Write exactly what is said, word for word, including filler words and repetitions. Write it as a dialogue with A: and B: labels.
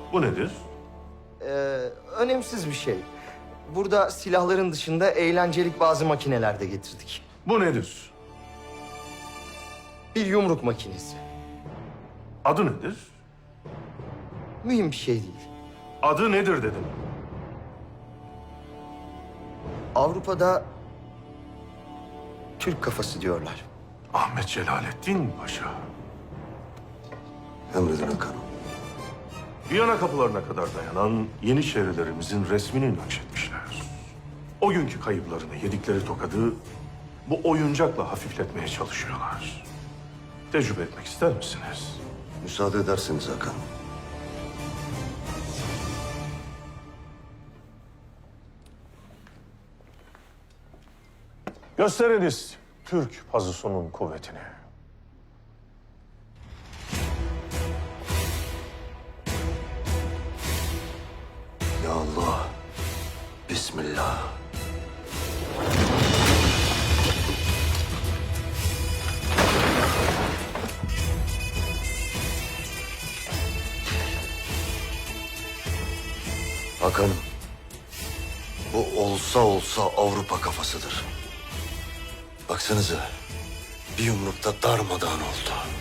A: Bu nedir?
B: Ee, önemsiz bir şey. Burada silahların dışında eğlencelik bazı makineler de getirdik.
A: Bu nedir?
B: Bir yumruk makinesi.
A: Adı nedir?
B: Mühim bir şey değil.
A: Adı nedir dedim.
B: Avrupa'da Türk kafası diyorlar.
A: Ahmet Celalettin Paşa.
C: Emredin Hakan'ım.
A: Viyana kapılarına kadar dayanan Yeniçerilerimizin resmini nakşetmişler. O günkü kayıplarını yedikleri tokadı bu oyuncakla hafifletmeye çalışıyorlar. Tecrübe etmek ister misiniz?
C: Müsaade ederseniz Hakan'ım.
A: Gösteriniz Türk pazusunun kuvvetini.
C: Ya Allah. Bismillah. Hakan'ım. Bu olsa olsa Avrupa kafasıdır. Baksanıza. Bir yumrukta darmadağın oldu.